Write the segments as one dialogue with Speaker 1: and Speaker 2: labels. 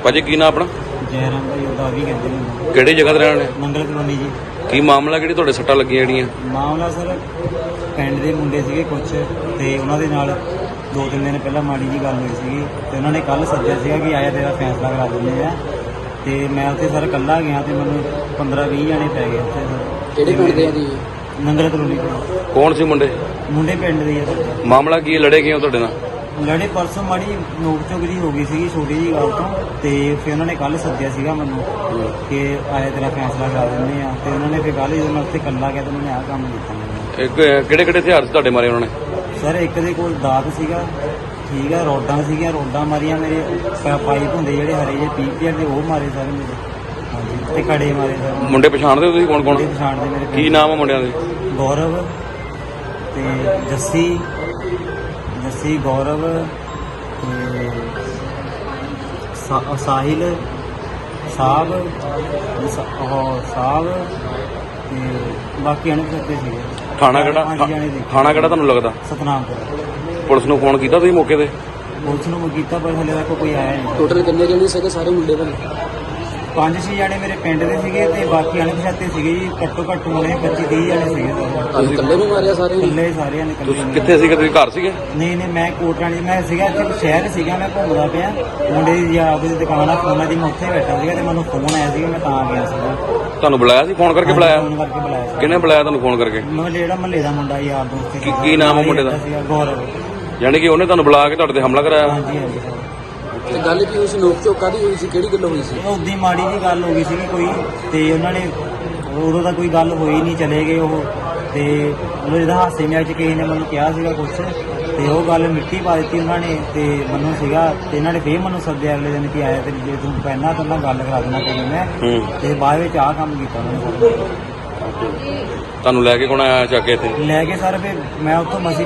Speaker 1: ਭਾਜੀ ਕੀ ਨਾਮ ਆਪਣਾ?
Speaker 2: ਜੈਰਾਮ ਭਾਈ ਉਹਦਾ ਵੀ ਕਹਿੰਦੇ ਨੇ।
Speaker 1: ਕਿਹੜੀ ਜਗ੍ਹਾ ਤੇ ਰਹਿਣ ਵਾਲੇ?
Speaker 2: ਨੰਗਲ ਕਲੋਨੀ ਜੀ।
Speaker 1: ਕੀ ਮਾਮਲਾ, ਕਿਹੜੀ ਤੁਹਾਡੇ ਸੱਟਾਂ ਲੱਗੀਆਂ ਜਿਹੜੀਆਂ?
Speaker 2: ਮਾਮਲਾ ਸਰ ਪਿੰਡ ਦੇ ਮੁੰਡੇ ਸੀਗੇ ਕੁਛ, ਤੇ ਉਹਨਾਂ ਦੇ ਨਾਲ 2-3 ਦਿਨ ਪਹਿਲਾਂ ਮਾੜੀ ਜੀ ਗੱਲ ਹੋਈ ਸੀਗੀ, ਤੇ ਉਹਨਾਂ ਨੇ ਕੱਲ ਸੱਦਿਆ ਸੀਗਾ ਕਿ ਆਇਆ ਤੇਰਾ ਫੈਸਲਾ ਕਰਾ ਦਿੰਦੇ ਆ। ਤੇ ਮੈਂ ਉੱਥੇ ਸਰ ਇਕੱਲਾ ਗਿਆ ਤੇ ਮੈਨੂੰ 15-20 ਜਣੇ ਪੈ ਗਏ ਉੱਥੇ ਸਰ।
Speaker 3: ਕਿਹੜੇ ਪਿੰਡ ਦੇ ਆ ਜੀ?
Speaker 2: ਨੰਗਲ ਕਲੋਨੀ ਤੋਂ।
Speaker 1: ਕੌਣ ਸੀ ਮੁੰਡੇ?
Speaker 2: ਮੁੰਡੇ ਪਿੰਡ ਦੇ ਆ।
Speaker 1: ਮਾਮਲਾ ਕੀ ਹੈ? ਲੜੇ ਕਿਉਂ ਤੁਹਾਡੇ ਨਾਲ?
Speaker 2: ਲੜੇ ਪਰਸੋਂ ਮਾੜੀ ਨੋਕ ਝੋਕ ਜੀ ਹੋ ਗਈ ਸੀਗੀ ਛੋਟੀ ਜੀ ਗੱਲ ਤੋਂ, ਤੇ ਫਿਰ ਉਹਨਾਂ ਨੇ ਕੱਲ ਸੱਦਿਆ ਸੀਗਾ ਮੈਨੂੰ ਕਿ ਆਇਆ ਤੇਰਾ ਫੈਸਲਾ ਕਰਾ ਦਿੰਦੇ ਆ। ਤੇ ਉਹਨਾਂ ਨੇ ਫਿਰ ਕੱਲ ਜਦੋਂ ਮੈਂ ਉੱਥੇ ਇਕੱਲਾ ਗਿਆ ਤੇ ਉਹਨਾਂ ਨੇ ਆਹ ਕੰਮ ਕੀਤਾ ਮੈਨੂੰ।
Speaker 1: ਕਿਹੜੇ ਕਿਹੜੇ ਹਥਿਆਰ ਸੀ ਤੁਹਾਡੇ ਮਾਰੇ ਉਹਨਾਂ ਨੇ?
Speaker 2: ਸਰ ਇੱਕ ਦੇ ਕੋਲ ਦਾਤ ਸੀਗਾ, ਠੀਕ ਆ, ਰੋਡਾਂ ਸੀਗੀਆਂ, ਰੋਡਾਂ ਮਾਰੀਆਂ ਮੇਰੇ, ਪਾਈਪ ਹੁੰਦੇ ਜਿਹੜੇ ਹਰੇ ਜਿਹੇ ਪੀਪੀਆਰ ਦੇ ਉਹ ਮਾਰੇ ਸਾਰੇ ਮੇਰੇ, ਹਾਂਜੀ, ਤੇ ਕੜੇ ਮਾਰੇ ਸਰ।
Speaker 1: ਮੁੰਡੇ ਪਛਾਣਦੇ ਹੋ ਤੁਸੀਂ ਕੌਣ ਕੌਣ?
Speaker 2: ਪਛਾਣਦੇ ਮੇਰੇ।
Speaker 1: ਕੀ ਨਾਮ ਆ ਮੁੰਡਿਆਂ ਦੇ?
Speaker 2: ਗੌਰਵ ਤੇ ਜੱਸੀ, ਗੌਰਵ ਤੇ ਸਾਹਿਲ, ਸਾਹਬ ਤੇ ਬਾਕੀ ਅਣਪਛਾਤੇ ਸੀਗੇ।
Speaker 1: ਥਾਣਾ ਕਿਹੜਾ? ਥਾਣਾ ਕਿਹੜਾ ਤੁਹਾਨੂੰ ਲੱਗਦਾ?
Speaker 2: ਸਤਨਾਮਪੁਰ।
Speaker 1: ਪੁਲਿਸ ਨੂੰ ਫੋਨ ਕੀਤਾ ਤੁਸੀਂ ਮੌਕੇ ਤੇ?
Speaker 2: ਪੁਲਿਸ ਨੂੰ ਕੀਤਾ ਪਰ ਹਲੇ ਤੱਕ ਕੋਈ ਆਇਆ ਨਹੀਂ।
Speaker 3: ਟੋਟਲ ਕਿੰਨੇ ਜਣੇ ਸੀਗੇ ਸਾਰੇ ਮੁੰਡੇ ਬਣੇ?
Speaker 2: 5-6 ਜਣੇ ਮੇਰੇ ਪਿੰਡ ਦੇ ਸੀਗੇ ਤੇ ਬਾਕੀ ਅਣਪਛਾਤੇ ਸੀਗੇ ਜੀ। ਘੱਟੋ ਘੱਟ ਹੋਣੇ 25-30 ਜਣੇ ਸੀਗੇ।
Speaker 3: ਤੁਹਾਨੂੰ ਇਕੱਲੇ ਨੂੰ ਮਾਰਿਆ ਸਾਰੇ?
Speaker 2: ਇਕੱਲੇ ਸਾਰਿਆਂ ਨੇ।
Speaker 1: ਤੁਸੀਂ ਕਿੱਥੇ ਸੀਗੇ? ਤੁਸੀਂ ਘਰ ਸੀਗੇ?
Speaker 2: ਨਹੀਂ, ਮੈਂ ਕੋਟਰਾਣੀ ਮੈਂ ਸੀਗਾ, ਇੱਥੇ ਸ਼ਹਿਰ ਸੀਗਾ, ਮੈਂ ਘੁੰਮਦਾ ਪਿਆ। ਮੁੰਡੇ ਦੀ ਆਪਦੀ ਦੁਕਾਨ ਆ ਫੋਨਾਂ ਦੀ, ਮੈਂ ਉੱਥੇ ਬੈਠਾ ਸੀਗਾ ਤੇ ਮੈਨੂੰ ਫੋਨ ਆਇਆ ਸੀਗਾ, ਮੈਂ ਤਾਂ ਆ ਗਿਆ ਸੀਗਾ।
Speaker 1: ਤੁਹਾਨੂੰ ਬੁਲਾਇਆ ਸੀ? ਫੋਨ ਕਰਕੇ ਬੁਲਾਇਆ?
Speaker 2: ਫੋਨ ਕਰਕੇ ਬੁਲਾਇਆ ਸੀ।
Speaker 1: ਕਿਹਨੇ ਬੁਲਾਇਆ ਤੁਹਾਨੂੰ ਫੋਨ ਕਰਕੇ?
Speaker 2: ਮੈਂ ਜਿਹੜਾ ਮਹੱਲੇ ਦਾ ਮੁੰਡਾ ਯਾਰ ਦੋਸਤ ਸੀ।
Speaker 1: ਕੀ ਨਾਮ ਆ ਮੁੰਡੇ ਦਾ?
Speaker 2: ਗੌਰਵ।
Speaker 1: ਯਾਨੀ ਕਿ ਉਹਨੇ ਤੁਹਾਨੂੰ ਬੁਲਾ ਕੇ ਤੁਹਾਡੇ ਤੇ ਹਮਲਾ ਕਰਾਇਆ?
Speaker 2: ਹਾਂਜੀ ਹਾਂਜੀ ਸਰ।
Speaker 3: ਤੇ ਗੱਲ ਕੀ ਹੋਈ ਸੀ? ਨੋਕ ਝੋਕ ਕਾਹਦੀ ਹੋਈ ਸੀ? ਕਿਹੜੀ ਗੱਲ ਹੋਈ ਸੀ?
Speaker 2: ਉਦੀ ਮਾੜੀ ਜੀ ਗੱਲ ਹੋ ਗਈ ਸੀਗੀ ਕੋਈ, ਤੇ ਉਹਨਾਂ ਨੇ ਉਦੋਂ ਤਾਂ ਕੋਈ ਗੱਲ ਹੋਈ ਨਹੀਂ, ਚਲੇ ਗਏ ਉਹ। ਤੇ ਉਹ ਜਿਹਦਾ ਹਾਸੇ ਮਜ਼ਾਕ 'ਚ ਕਿਸੇ ਨੇ ਮੈਨੂੰ ਕਿਹਾ ਸੀਗਾ ਕੁਛ, ਤੇ ਉਹ ਗੱਲ ਮਿੱਟੀ ਪਾ ਦਿੱਤੀ ਉਹਨਾਂ ਨੇ। ਤੇ ਮੈਨੂੰ ਸੀਗਾ, ਤੇ ਇਹਨਾਂ ਨੇ ਫੇਰ ਮੈਨੂੰ ਸੱਦਿਆ ਅਗਲੇ ਦਿਨ ਕਿ ਆਇਆ ਤੇ ਜੇ ਤੂੰ ਪਹਿਲਾਂ ਤਾਂ ਮੈਂ ਗੱਲ ਕਰਾ ਦੇਣਾ ਤੈਨੂੰ ਮੈਂ। ਤੇ ਬਾਅਦ ਵਿੱਚ ਆਹ ਕੰਮ ਕੀਤਾ ਉਹਨਾਂ ਨੇ।
Speaker 1: ਤੁਹਾਨੂੰ ਲੈ ਕੇ ਕੌਣ ਆਇਆ ਚੱਕ ਕੇ ਇੱਥੇ?
Speaker 2: ਲੈ ਕੇ ਸਰ ਫਿਰ ਮੈਂ ਉੱਥੋਂ ਮਸੀਂ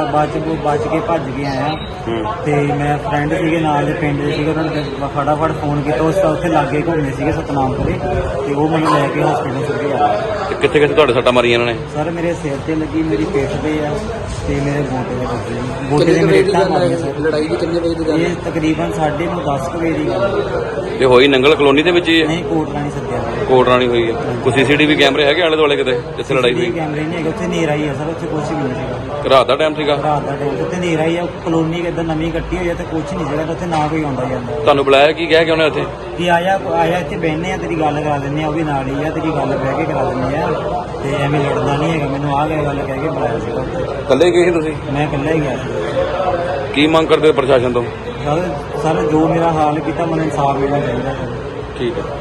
Speaker 2: ਬਚ ਕੇ ਭੱਜ ਕੇ ਆਇਆ। ਤੇ ਮੈਂ ਫਰੈਂਡ ਸੀਗੇ ਨਾਲ ਦੇ ਪਿੰਡ ਦੇ ਸੀਗੇ, ਉਹਨਾਂ ਨੇ ਫਟਾਫਟ ਫੋਨ ਕੀਤਾ। ਉਸ ਉੱਥੇ ਲਾਗੇ ਘੁੰਮਦੇ ਸੀਗੇ ਸਤਨਾਮਪੁਰੇ, ਤੇ ਉਹ ਮੈਨੂੰ ਲੈ ਕੇ ਹਸਪੀਟਲ ਸਿੱਧੇ ਆਇਆ।
Speaker 1: ਤੇ ਕਿੱਥੇ ਕਿੱਥੇ ਤੁਹਾਡੇ ਸੱਟਾਂ ਮਾਰੀਆਂ ਇਹਨਾਂ ਨੇ?
Speaker 2: ਸਰ ਮੇਰੇ ਸਿਰ ਤੇ ਲੱਗੀ, ਮੇਰੀ ਪਿੱਠ ਤੇ ਆ, ਤੇ ਮੇਰੇ ਗੋਡੇ ਤੇ ਲੱਗੀ। ਗੋਡੇ ਤੇ ਮੇਰੇ ਇੱਟਾਂ ਮਾਰੀਆਂ ਸਰ।
Speaker 3: ਲੜਾਈ ਦੀ ਕਿੰਨੇ ਵਜੇ ਦੀ ਗੱਲ?
Speaker 2: ਇਹ ਤਕਰੀਬਨ 10:30 ਵਜੇ ਦੀ ਗੱਲ।
Speaker 1: ਤੇ ਹੋਈ ਨੰਗਲ ਕਲੋਨੀ ਦੇ ਵਿੱਚ ਹੀ?
Speaker 2: ਨਹੀਂ, ਕੋਟਰਾਣੀ ਸੱਦਿਆ।
Speaker 1: ਕੋਟਰਾਣੀ ਹੋਈ ਹੈ। ਕੋਈ ਸੀਸੀਟੀਵੀ ਕੈਮਰੇ ਹੈਗੇ ਆਲੇ ਦੁਆਲੇ ਕਿਤੇ ਜਿੱਥੇ ਲੜਾਈ ਹੋਈ?
Speaker 2: ਕੈਮਰੇ ਨਹੀਂ ਹੈਗੇ ਉੱਥੇ, ਹਨੇਰਾ ਹੀ ਆ ਸਰ, ਉੱਥੇ ਕੁਛ ਵੀ ਨਹੀਂ ਸੀਗਾ।
Speaker 1: ਰਾਤ ਦਾ ਟਾਈਮ ਸੀਗਾ?
Speaker 2: ਰਾਤ ਦਾ ਟਾਈਮ ਉੱਥੇ ਹਨੇਰਾ ਹੀ ਆ। ਕਲੋਨੀ ਕਿੱਦਾਂ ਨਵੀਂ ਕੱਟੀ ਹੋਈ ਆ ਤੇ ਕੁਛ ਨਹੀਂ ਸੀਗਾ ਉੱਥੇ, ਨਾ ਕੋਈ ਆਉਂਦਾ ਜਾਂਦਾ।
Speaker 1: ਤੁਹਾਨੂੰ ਬੁਲਾਇਆ ਕੀ ਕਹਿ ਕੇ ਉਹਨੇ ਉੱਥੇ?
Speaker 2: ਕਿ ਆਇਆ ਇੱਥੇ ਬਹਿਨੇ ਆ, ਤੇਰੀ ਗੱਲ ਕਰਾ ਦਿੰਦੇ ਆ, ਉਹ ਵੀ ਨਾਲ ਹੀ ਆ, ਤੇਰੀ ਗੱਲ ਬਹਿ ਕੇ ਕਰਾ ਦਿੰਦੇ ਆ, ਤੇ ਐਵੇਂ ਲੜਨਾ ਨਹੀਂ ਹੈਗਾ। ਮੈਨੂੰ ਆ ਗਿਆ ਗੱਲ ਕਹਿ ਕੇ ਬੁਲਾਇਆ ਸੀਗਾ ਉੱਥੇ।
Speaker 1: ਇਕੱਲੇ ਗਏ ਸੀ ਤੁਸੀਂ?
Speaker 2: ਮੈਂ ਇਕੱਲਾ ਹੀ ਗਿਆ ਸੀ।
Speaker 1: ਕੀ ਮੰਗ ਕਰਦੇ ਹੋ ਪ੍ਰਸ਼ਾਸਨ ਤੋਂ?
Speaker 2: ਸਰ ਜੋ ਮੇਰਾ ਹਾਲ ਕੀਤਾ, ਮੈਨੂੰ ਇਨਸਾਫ ਮਿਲਣਾ ਚਾਹੀਦਾ ਸਰ।
Speaker 1: ਠੀਕ ਹੈ।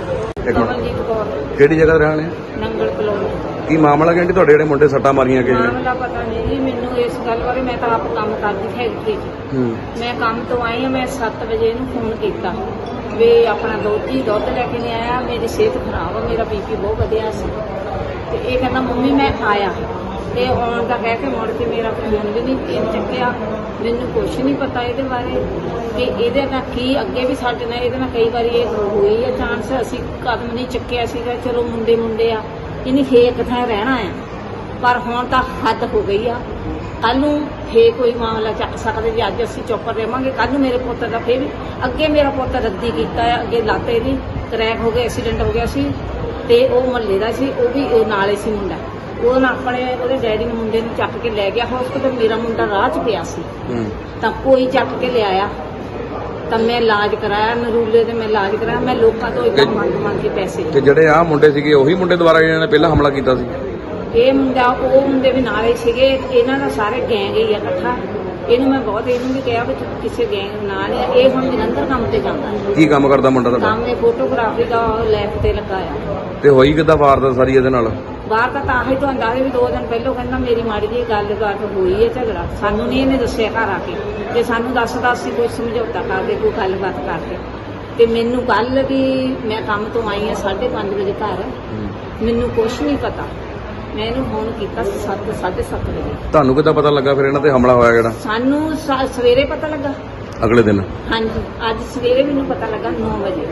Speaker 4: ਕਮਲਜੀਤ ਕੌਰ,
Speaker 1: ਕਿਹੜੀ ਜਗ੍ਹਾ ਰਹਿਣ ਵਾਲੇ?
Speaker 4: ਨੰਗਲ ਕਲੋਨੀ।
Speaker 1: ਕੀ ਮਾਮਲਾ ਕਹਿੰਦੇ ਤੁਹਾਡੇ ਜਿਹੜੇ ਮੁੰਡੇ ਸੱਟਾਂ ਮਾਰੀਆਂ ਕਿ?
Speaker 4: ਮਾਮਲਾ ਪਤਾ ਨਹੀਂ ਜੀ ਮੈਨੂੰ ਇਸ ਗੱਲ ਬਾਰੇ। ਮੈਂ ਤਾਂ ਆਪ ਕੰਮ ਕਰਦੀ ਫੈਕਟਰੀ 'ਚ। ਮੈਂ ਕੰਮ ਤੋਂ ਆਈ ਹਾਂ, ਮੈਂ 7 ਵਜੇ ਇਹਨੂੰ ਫੋਨ ਕੀਤਾ ਵੀ ਆਪਣਾ ਦੁੱਧ ਲੈ ਕੇ ਨਹੀਂ ਆਇਆ, ਮੇਰੀ ਸਿਹਤ ਖਰਾਬ ਆ, ਮੇਰਾ ਬੀਪੀ ਬਹੁਤ ਵਧਿਆ ਸੀ। ਤੇ ਇਹ ਕਹਿੰਦਾ ਮੰਮੀ ਮੈਂ ਆਇਆ, ਤੇ ਆਉਣ ਦਾ ਕਹਿ ਕੇ ਮੁੜ ਕੇ ਮੇਰਾ ਫੋਨ ਵੀ ਨਹੀਂ ਚੱਕਿਆ। ਮੈਨੂੰ ਕੁਛ ਨਹੀਂ ਪਤਾ ਇਹਦੇ ਬਾਰੇ ਕਿ ਇਹਦੇ ਨਾਲ ਕੀ ਅੱਗੇ ਵੀ ਸਾਡੇ ਨਾਲ ਇਹਦੇ ਨਾਲ ਕਈ ਵਾਰੀ ਇਹ ਹੋਈ ਆ ਚਾਂਸ, ਅਸੀਂ ਕਦਮ ਨਹੀਂ ਚੱਕਿਆ ਸੀਗਾ। ਚਲੋ ਮੁੰਡੇ ਆ, ਇਹਨੇ ਫੇਕ ਥਾਂ ਰਹਿਣਾ ਆ, ਪਰ ਹੁਣ ਤਾਂ ਹੱਦ ਹੋ ਗਈ ਆ। ਕੱਲ ਨੂੰ ਫੇਰ ਕੋਈ ਮਾਮਲਾ ਚੱਕ ਸਕਦੇ ਜੀ। ਅੱਜ ਅਸੀਂ ਚੁੱਪ ਰਹਾਂਗੇ, ਕੱਲ ਨੂੰ ਮੇਰੇ ਪੁੱਤ ਦਾ ਫੇਰ ਵੀ ਅੱਗੇ ਮੇਰਾ ਪੁੱਤ ਰੱਦੀ ਕੀਤਾ ਆ, ਅੱਗੇ ਲੱਤ ਇਹਦੀ ਕਰੈਕ ਹੋ ਗਿਆ, ਐਕਸੀਡੈਂਟ ਹੋ ਗਿਆ ਸੀ, ਤੇ ਉਹ ਮਹੱਲੇ ਦਾ ਸੀ, ਉਹ ਵੀ ਨਾਲੇ ਸੀ ਮੁੰਡਾ। ਉਹ ਨਾ ਆਪਣੇ ਉਹਦੇ ਡੈਡੀ ਨੂੰ ਮੁੰਡੇ ਨੂੰ ਚੱਕ ਕੇ ਲੈ ਗਿਆ ਹਸਪਤਾਲ। ਮੇਰਾ ਮੁੰਡਾ ਰਾਹ 'ਚ ਪਿਆ ਸੀ, ਤਾਂ ਕੋਈ ਚੱਕ ਕੇ ਲਿਆਇਆ, ਤਾਂ ਮੈਂ ਇਲਾਜ ਕਰਾਇਆ ਨਰੂਲੇ ਤੇ। ਮੈਂ ਇਲਾਜ ਕਰਾਇਆ, ਮੈਂ ਲੋਕਾਂ ਤੋਂ ਇਦਾਂ ਮੰਗ ਕੇ ਪੈਸੇ।
Speaker 1: ਤੇ ਜਿਹੜੇ ਆਹ ਮੁੰਡੇ ਸੀਗੇ ਉਹੀ ਮੁੰਡੇ ਦੁਆਰਾ ਜਿਹਨਾਂ ਨੇ ਪਹਿਲਾਂ ਹਮਲਾ ਕੀਤਾ ਸੀ?
Speaker 4: ਇਹ ਮੁੰਡਾ ਉਹ ਮੁੰਡੇ ਵੀ ਨਾਲੇ ਸੀਗੇ, ਇਹਨਾਂ ਦਾ ਸਾਰੇ ਗੈਂਗ ਹੀ ਆ ਇਕੱਠਾ। ਇਹਨੂੰ ਮੈਂ ਬਹੁਤ ਇਹਨੂੰ ਵੀ ਕਿਹਾ ਵੀ ਤੂੰ ਕਿਸੇ ਗੈਂਗ ਨਾਲ ਆ। ਇਹ ਹੁਣ ਜਲੰਧਰ ਕੰਮ ਤੇ ਜਾਂਦਾ।
Speaker 1: ਕੀ ਕੰਮ ਕਰਦਾ ਮੁੰਡਾ ਤੁਹਾਡਾ?
Speaker 4: ਕੰਮ ਇਹ ਫੋਟੋਗ੍ਰਾਫੀ ਦਾ ਲੈਬ ਤੇ ਲੱਗਾ ਆ।
Speaker 1: ਤੇ ਹੋਈ ਕਿੱਦਾਂ ਵਾਰਦਾਤ ਸਾਰੀ ਇਹਦੇ ਨਾਲ?
Speaker 4: ਬਾਹਰ ਤਾਂ ਆਹੀ ਤੋਂ ਅੰਦਾਜ਼ੇ ਵੀ 2 ਦਿਨ ਪਹਿਲਾਂ ਕਹਿੰਦਾ ਮੇਰੀ ਮਾੜੀ ਜਿਹੀ ਗੱਲਬਾਤ ਹੋਈ ਹੈ, ਝਗੜਾ। ਸਾਨੂੰ ਨਹੀਂ ਇਹਨੇ ਦੱਸਿਆ ਘਰ ਆ ਕੇ, ਤੇ ਸਾਨੂੰ ਦੱਸਦਾ ਅਸੀਂ ਕੋਈ ਸਮਝੌਤਾ ਕਰਦੇ, ਕੋਈ ਗੱਲਬਾਤ ਕਰਦੇ। ਤੇ ਮੈਨੂੰ ਕੱਲ ਵੀ ਮੈਂ ਕੰਮ ਤੋਂ ਆਈ ਹਾਂ 5:30 ਵਜੇ ਘਰ, ਮੈਨੂੰ ਕੁਛ ਨਹੀਂ ਪਤਾ। ਮੈਂ ਇਹਨੂੰ ਫੋਨ ਕੀਤਾ 7:30 ਵਜੇ।
Speaker 1: ਤੁਹਾਨੂੰ ਕਿੱਦਾਂ ਪਤਾ ਲੱਗਾ ਫਿਰ ਇਹਨਾਂ ਤੇ ਹਮਲਾ ਹੋਇਆ ਜਿਹੜਾ?
Speaker 4: ਸਾਨੂੰ ਸਵੇਰੇ ਪਤਾ ਲੱਗਾ
Speaker 1: ਅਗਲੇ ਦਿਨ?
Speaker 4: ਹਾਂਜੀ, ਅੱਜ ਸਵੇਰੇ ਮੈਨੂੰ ਪਤਾ ਲੱਗਾ 9 ਵਜੇ।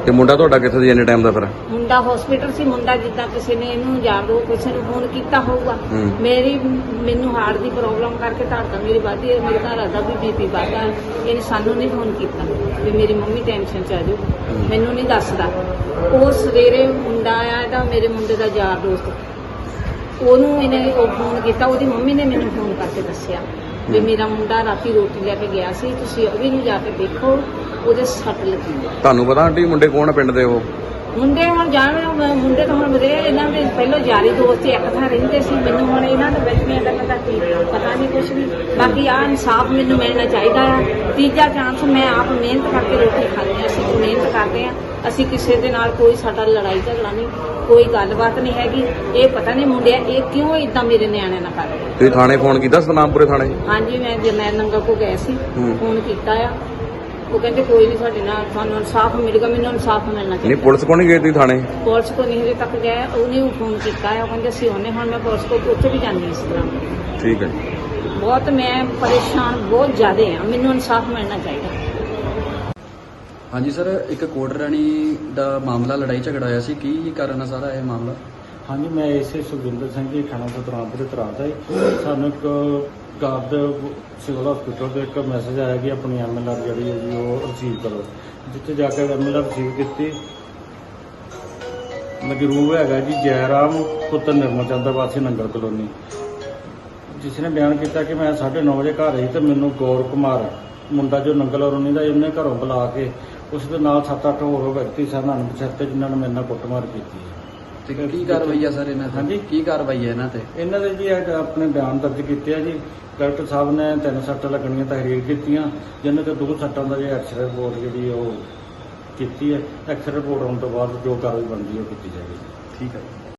Speaker 1: ਤੇ ਮੁੰਡਾ ਤੁਹਾਡਾ ਕਿੱਥੇ ਸੀ ਇੰਨੇ ਟਾਈਮ ਦਾ ਫਿਰ?
Speaker 4: ਮੁੰਡਾ ਹਸਪੀਟਲ ਸੀ। ਮੁੰਡਾ ਜਿੱਦਾਂ ਕਿਸੇ ਨੇ ਇਹਨੂੰ ਯਾਰ ਦੋ ਕਿਸੇ ਨੂੰ ਫੋਨ ਕੀਤਾ ਹੋਊਗਾ। ਮੈਨੂੰ ਹਾਰਟ ਦੀ ਪ੍ਰੋਬਲਮ ਕਰਕੇ ਧੜਕਣ ਮੇਰੀ ਵੱਧਦੀ ਹੈ, ਮੇਰੇ ਘਰ ਦਾ ਵੀ ਬੀਪੀ ਵੱਧਦਾ। ਇਹਨੇ ਸਾਨੂੰ ਨਹੀਂ ਫੋਨ ਕੀਤਾ ਵੀ ਮੇਰੀ ਮੰਮੀ ਟੈਨਸ਼ਨ ਚ ਆ ਜਾਊ, ਮੈਨੂੰ ਨਹੀਂ ਦੱਸਦਾ। ਉਹ ਸਵੇਰੇ ਮੁੰਡਾ ਆਇਆ ਇਹਦਾ, ਮੇਰੇ ਮੁੰਡੇ ਦਾ ਯਾਰ ਦੋਸਤ, ਉਹਨੂੰ ਇਹਨੇ ਉਹ ਫੋਨ ਕੀਤਾ। ਉਹਦੀ ਮੰਮੀ ਨੇ ਮੈਨੂੰ ਫੋਨ ਕਰਕੇ ਦੱਸਿਆ ਵੀ ਮੇਰਾ ਮੁੰਡਾ ਰਾਤੀ ਰੋਟੀ ਲੈ ਕੇ ਗਿਆ ਸੀ, ਤੁਸੀਂ ਅਭੀ ਨੂੰ ਜਾ ਕੇ ਦੇਖੋ, ਉਹਦੇ ਸੱਟ ਲੱਗੀ ਹੈ।
Speaker 1: ਤੁਹਾਨੂੰ ਪਤਾ ਆਂਟੀ ਮੁੰਡੇ ਕੌਣ ਆ ਪਿੰਡ ਦੇ? ਉਹ
Speaker 4: ਮੁੰਡੇ ਹੁਣ ਮੁੰਡੇ ਤਾਂ ਹੁਣ ਵਧੇ, ਇਹਨਾਂ ਦੇ ਪਹਿਲਾਂ ਯਾਰੀ ਦੋਸਤ ਇੱਕ ਥਾਂ ਰਹਿੰਦੇ ਸੀ। ਮੈਨੂੰ ਹੁਣ ਇਹਨਾਂ ਦੇ ਵਿੱਚ ਨਹੀਂ ਗੱਲਾਂ ਦਾ ਕੀ ਪਤਾ ਨਹੀਂ ਕੁਛ ਵੀ। ਬਾਕੀ ਆ ਇਨਸਾਫ ਮੈਨੂੰ ਮਿਲਣਾ ਚਾਹੀਦਾ ਆ। ਤੀਜਾ ਚਾਂਸ, ਮੈਂ ਆਪ ਮਿਹਨਤ ਕਰਕੇ ਰੋਟੀ ਖਾਂਦੇ ਹਾਂ, ਅਸੀਂ ਮਿਹਨਤ ਕਰਦੇ ਹਾਂ। ਅਸੀਂ ਕਿਸੇ ਦੇ ਨਾਲ ਕੋਈ ਸਾਡਾ ਲੜਾਈ ਝਗੜਾ ਨਹੀਂ, ਕੋਈ ਗੱਲਬਾਤ ਨਹੀਂ ਹੈਗੀ। ਇਹ ਪਤਾ ਨਹੀਂ ਮੁੰਡਿਆ ਇਹ ਕਿਉਂ ਇਦਾਂ ਮੇਰੇ ਨਿਆਣੇ ਨਾਲ ਕਰਦੇ।
Speaker 1: ਤੁਸੀਂ ਥਾਣੇ ਫੋਨ ਕੀਤਾ ਸਤਨਾਮਪੁਰੇ ਥਾਣੇ?
Speaker 4: ਹਾਂਜੀ, ਮੈਂ ਜਰਨੈਲ ਨੰਗਲ ਕੋ ਗਏ ਸੀ, ਫੋਨ ਕੀਤਾ ਆ। ਉਹ ਕਹਿੰਦੇ ਕੋਈ ਨਹੀਂ, ਸਾਡੇ ਨਾਲ ਤੁਹਾਨੂੰ ਇਨਸਾਫ ਮਿਲੇਗਾ। ਮੈਨੂੰ ਇਨਸਾਫ ਮਿਲਣਾ
Speaker 1: ਨਹੀਂ,
Speaker 4: ਚਾਹੀਦਾ।
Speaker 1: ਪੁਲਿਸ ਕੋਲ ਨਹੀਂ ਗਏ ਤੁਸੀਂ ਥਾਣੇ?
Speaker 4: ਪੁਲਿਸ ਕੋ ਨਹੀਂ ਹਜੇ ਤੱਕ ਗਏ। ਉਹਨੇ ਉਹ ਫੋਨ ਕੀਤਾ ਹੈ, ਉਹ ਕਹਿੰਦੇ ਅਸੀਂ ਉਹਨੇ ਹੁਣ ਮੈਂ ਪੁਲਿਸ ਕੋ ਉੱਥੇ ਵੀ ਜਾਂਦੀ ਇਸ ਤਰ੍ਹਾਂ।
Speaker 1: ਠੀਕ ਹੈ।
Speaker 4: ਬਹੁਤ ਮੈਂ ਪਰੇਸ਼ਾਨ ਬਹੁਤ ਜ਼ਿਆਦਾ ਹਾਂ, ਮੈਨੂੰ ਇਨਸਾਫ ਮਿਲਣਾ ਚਾਹੀਦਾ।
Speaker 3: ਹਾਂਜੀ ਸਰ, ਇੱਕ ਕੋਟ ਰਾਣੀ ਦਾ ਮਾਮਲਾ ਲੜਾਈ ਝਗੜਾ ਹੋਇਆ ਸੀ, ਕੀ ਕਾਰਨ ਆ ਸਾਰਾ ਇਹ ਮਾਮਲਾ?
Speaker 5: ਹਾਂਜੀ, ਮੈਂ ਇਸੇ ਸੁਖਵਿੰਦਰ ਸਿੰਘ ਜੀ ਥਾਣਾ ਸਤਨਾਮਪੁਰ ਤਰਾਦਾ ਹੈ। ਸਾਨੂੰ ਇੱਕ ਗਾਰਡ ਸਿਵਲ ਹਸਪੀਟਲ ਤੋਂ ਇੱਕ ਮੈਸੇਜ ਆਇਆ ਕਿ ਆਪਣੀ MLR ਜਿਹੜੀ ਹੈ ਜੀ ਉਹ ਰਿਸੀਵ ਕਰੋ। ਜਿੱਥੇ ਜਾ ਕੇ MLR ਰਿਸੀਵ ਕੀਤੀ। ਮਜਰੂਬ ਹੈਗਾ ਜੀ ਜੈਰਾਮ ਪੁੱਤਰ ਨਿਰਮਲ ਚੰਦ ਵਾਸੀ ਨੰਗਲ ਕਲੋਨੀ, ਜਿਸ ਨੇ ਬਿਆਨ ਕੀਤਾ ਕਿ ਮੈਂ 9:30 ਵਜੇ ਘਰ ਆਈ ਤੇ ਮੈਨੂੰ ਗੌਰ ਕੁਮਾਰ ਮੁੰਡਾ ਜੋ ਨੰਗਲ ਕਲੋਨੀ ਦਾ, ਉਹਨੇ ਘਰੋਂ ਬੁਲਾ ਕੇ ਉਸ ਦੇ ਨਾਲ 7-8 ਹੋਰ ਵਿਅਕਤੀ ਸਨ ਅਣਪਛਾਤੇ, ਜਿਨ੍ਹਾਂ ਨੇ ਮੇਰੇ ਨਾਲ ਕੁੱਟਮਾਰ ਕੀਤੀ ਹੈ।
Speaker 3: ਤੇ ਕੀ ਕਾਰਵਾਈ ਆ ਸਰ ਇਹਨਾਂ ਤੇ?
Speaker 5: ਹਾਂਜੀ,
Speaker 3: ਕੀ ਕਾਰਵਾਈ ਹੈ ਇਹਨਾਂ ਤੇ?
Speaker 5: ਇਹਨਾਂ ਦੇ ਜੀ ਇਹ ਆਪਣੇ ਬਿਆਨ ਦਰਜ ਕੀਤੇ ਆ ਜੀ। ਡਾਕਟਰ ਸਾਹਿਬ ਨੇ 3 ਸੱਟਾਂ ਲੱਗਣੀਆਂ ਤਹਿਰੀਰ ਕੀਤੀਆਂ, ਜਿਹਨਾਂ ਤੇ 2 ਸੱਟਾਂ ਦਾ ਜੇ ਐਕਸਰੇ ਰਿਪੋਰਟ ਜਿਹੜੀ ਉਹ ਕੀਤੀ ਹੈ। ਐਕਸਰੇ ਰਿਪੋਰਟ ਆਉਣ ਤੋਂ ਬਾਅਦ ਜੋ ਕਾਰਵਾਈ ਬਣਦੀ ਹੈ ਉਹ ਕੀਤੀ ਜਾਵੇਗੀ।
Speaker 3: ਠੀਕ ਹੈ।